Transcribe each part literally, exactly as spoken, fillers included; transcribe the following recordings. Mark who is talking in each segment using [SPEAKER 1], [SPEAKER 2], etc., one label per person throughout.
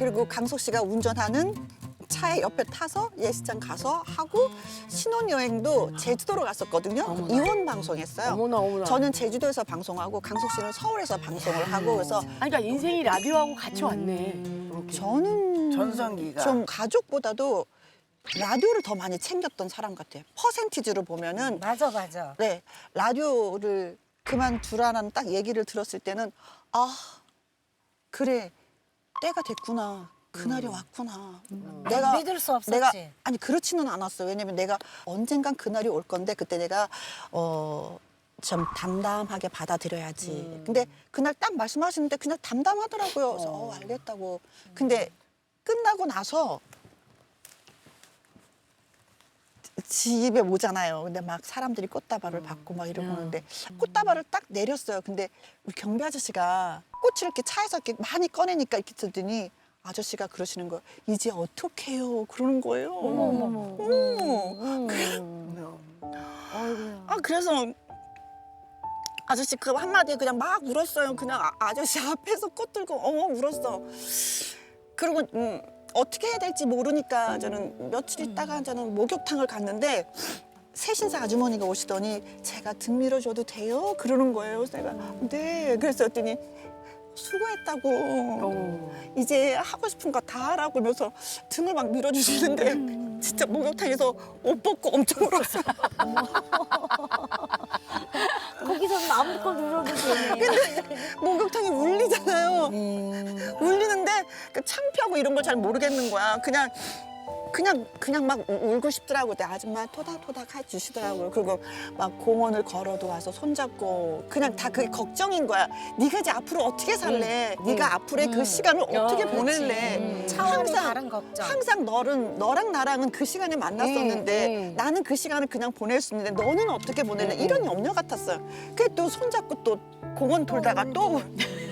[SPEAKER 1] 그리고 강석 씨가 운전하는 차에 옆에 타서 예식장 가서 하고 신혼여행도 제주도로 갔었거든요.
[SPEAKER 2] 어머나.
[SPEAKER 1] 이혼 방송했어요.
[SPEAKER 2] 어머나 어머나.
[SPEAKER 1] 저는 제주도에서 방송하고 강석 씨는 서울에서 방송을 하고 그래서
[SPEAKER 2] 아니, 그러니까 인생이 라디오하고 같이 왔네. 이렇게.
[SPEAKER 1] 저는
[SPEAKER 3] 전성기가.
[SPEAKER 1] 좀 가족보다도 라디오를 더 많이 챙겼던 사람 같아요. 퍼센티지로 보면은
[SPEAKER 4] 맞아 맞아.
[SPEAKER 1] 네 라디오를 그만두라는 딱 얘기를 들었을 때는 아 그래 때가 됐구나. 그날이 왔구나. 내가
[SPEAKER 4] 믿을 수 없었지.
[SPEAKER 1] 내가 아니 그렇지는 않았어. 왜냐면 내가 언젠간 그날이 올 건데 그때 내가 어. 좀 담담하게 받아들여야지.
[SPEAKER 2] 음.
[SPEAKER 1] 근데 그날 딱 말씀하시는데 그냥 담담하더라고요. 그래서 어, 알겠다고. 근데 끝나고 나서 집에 오잖아요. 근데 막 사람들이 꽃다발을 받고 막 이러고 오는데 꽃다발을 딱 내렸어요. 근데 우리 경비 아저씨가 꽃을 이렇게 차에서 이렇게 많이 꺼내니까 이렇게 들더니 아저씨가 그러시는 거예요. 이제 어떡해요? 그러는 거예요. 어머, 아 그래서 아저씨 그 한마디에 그냥 막 울었어요. 그냥 아, 아저씨 앞에서 꽃 들고 어머 울었어. 그리고 음, 어떻게 해야 될지 모르니까 저는 며칠 있다가 저는 목욕탕을 갔는데 새신사 아주머니가 오시더니 제가 등 밀어줘도 돼요? 그러는 거예요. 그래서 내가 네. 그래서 했더니 수고했다고.
[SPEAKER 2] 어.
[SPEAKER 1] 이제 하고 싶은 거 다 하라고 하면서 등을 막 밀어주시는데 진짜 목욕탕에서 옷 벗고 엄청 울었어요.
[SPEAKER 4] 거기서 아무것도 눌러도 되네.
[SPEAKER 1] 목욕탕이 울리잖아요. 울리는데 그 창피하고 이런 걸 잘 모르겠는 거야. 그냥 그냥 그냥 막 우- 울고 싶더라고. 근데 아줌마 토닥토닥 해주시더라고요. 그리고 막 공원을 걸어도 와서 손잡고 그냥 다 그게 걱정인 거야. 네가 이제 앞으로 어떻게 살래? 네가 앞으로의 그 시간을 어떻게
[SPEAKER 2] 그렇지.
[SPEAKER 1] 보낼래?
[SPEAKER 4] 음. 차원이
[SPEAKER 1] 항상
[SPEAKER 4] 다른 걱정.
[SPEAKER 1] 항상 너는 너랑 나랑은 그 시간에 만났었는데
[SPEAKER 2] 음, 음.
[SPEAKER 1] 나는 그 시간을 그냥 보낼 수 있는데 너는 어떻게 보낼래? 이런 염려 같았어요. 그래 또 손잡고 또 공원 돌다가 또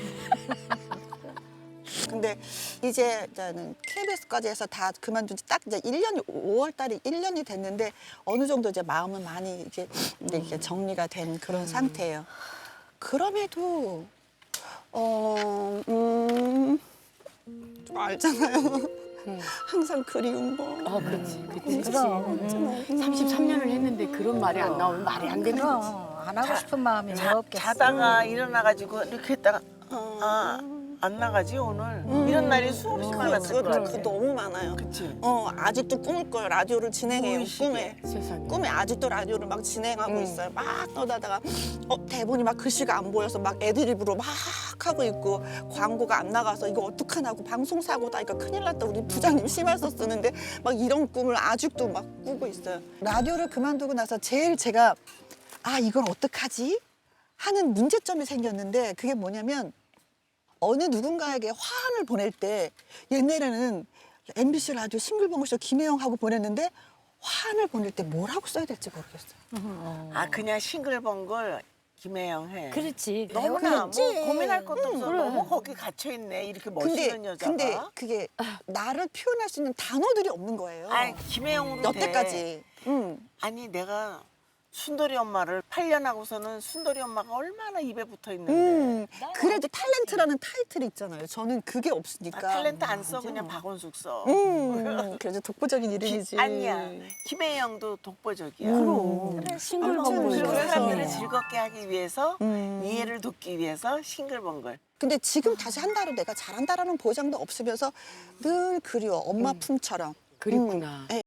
[SPEAKER 1] 근데 이제 저는 케이비에스까지 해서 다 그만둔 지 딱 이제 일 년이 오월 달에 일 년이 됐는데 어느 정도 이제 마음은 많이 이제 이제 이게 정리가 된 그런 상태예요. 그럼에도 어, 음, 좀 알잖아요. 항상 그리운 거.
[SPEAKER 2] 아, 그렇지. 그렇지.
[SPEAKER 4] 그럼.
[SPEAKER 2] 삼십삼 년을 했는데 그런 말이 안 나오면 말이 안 되는 거지.
[SPEAKER 4] 그럼 안 하고 싶은 마음이 왜 없겠어.
[SPEAKER 3] 자다가 일어나가지고 이렇게 했다가 아, 안 나가지 오늘? 이런 날이 수없이 많았을
[SPEAKER 1] 그거,
[SPEAKER 3] 것
[SPEAKER 1] 그거
[SPEAKER 3] 같아.
[SPEAKER 1] 너무 많아요.
[SPEAKER 3] 그치?
[SPEAKER 1] 어 아직도 꿈을 꿔요. 라디오를 진행해요.
[SPEAKER 3] 무의식에.
[SPEAKER 1] 꿈에.
[SPEAKER 2] 세상에.
[SPEAKER 1] 꿈에 아직도 라디오를 막 진행하고
[SPEAKER 2] 음.
[SPEAKER 1] 있어요. 막 떠다다가 어, 대본이 막 글씨가 안 보여서 막 애드립으로 막 하고 있고 광고가 안 나가서 이거 어떡하냐고 방송사고다 이거 큰일 났다 우리 부장님 심할서 쓰는데 막 이런 꿈을 아직도 막 꾸고 있어요. 라디오를 그만두고 나서 제일 제가 아 이걸 어떡하지? 하는 문제점이 생겼는데 그게 뭐냐면 어느 누군가에게 화환을 보낼 때 옛날에는 엠비씨 라디오 싱글벙글쇼 김혜영하고 보냈는데 화환을 보낼 때 뭐라고 써야 될지 모르겠어요.
[SPEAKER 3] 아 그냥 싱글벙글 김혜영 해.
[SPEAKER 4] 그렇지.
[SPEAKER 3] 너무나 뭐
[SPEAKER 4] 배우겠지.
[SPEAKER 3] 고민할 것도 없어.
[SPEAKER 4] 그래.
[SPEAKER 3] 너무 거기 갇혀 있네. 이렇게
[SPEAKER 1] 근데
[SPEAKER 3] 멋있는 여자가.
[SPEAKER 1] 근데 그게 나를 표현할 수 있는 단어들이 없는 거예요.
[SPEAKER 3] 아니 김혜영으로 돼.
[SPEAKER 1] 여태까지. 응.
[SPEAKER 3] 아니 내가 순돌이 엄마를 팔 년 하고서는 순돌이 엄마가 얼마나 입에 붙어 있는데.
[SPEAKER 1] 음, 그래도 탤런트라는 타이틀이 있잖아요. 저는 그게
[SPEAKER 3] 아,
[SPEAKER 1] 없으니까.
[SPEAKER 3] 탤런트 안 써 그냥 박원숙 써.
[SPEAKER 1] 음, 그래도 독보적인 이름이지.
[SPEAKER 3] 아니야. 김혜영도 독보적이야.
[SPEAKER 1] 그럼.
[SPEAKER 4] 그래,
[SPEAKER 1] 아무튼
[SPEAKER 4] 싱글벙글.
[SPEAKER 3] 그리고
[SPEAKER 1] 그래서.
[SPEAKER 3] 사람들을 즐겁게 하기 위해서
[SPEAKER 1] 음.
[SPEAKER 3] 이해를 돕기 위해서 싱글벙글.
[SPEAKER 1] 근데 지금 다시 한다로 내가 잘한다라는 보장도 없으면서 늘 그리워. 엄마 품처럼.
[SPEAKER 2] 그립구나.
[SPEAKER 1] 음, 예.